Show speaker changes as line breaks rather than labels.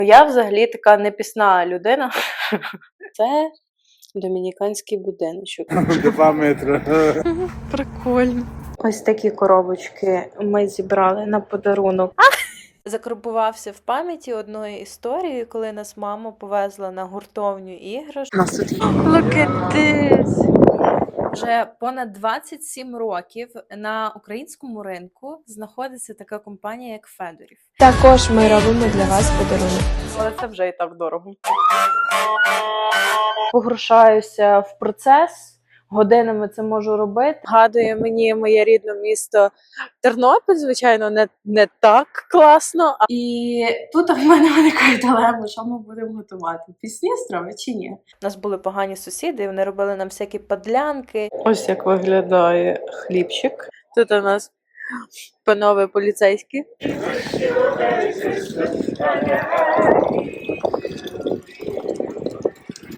Я взагалі така непісна людина. Це домініканський будиночок.
2 метри.
Прикольно. Ось такі коробочки ми зібрали на подарунок. Закарбувався в пам'яті одної історії, коли нас мама повезла на гуртовню іграшок. Нас тут Look at this! Вже понад 27 років на українському ринку знаходиться така компанія, як Федорів.
Також ми робимо для вас подарунок.
Але це вже і так дорого. Погрушаюся в процес, годинами це можу робити. Гадує мені моє рідне місто Тернопіль, звичайно, не так класно. І тут в мене виникає дилема, що ми будемо готувати. Пісні страви чи ні? У нас були погані сусіди, і вони робили нам всякі подлянки. Ось як виглядає хлібчик. Тут у нас панове поліцейські.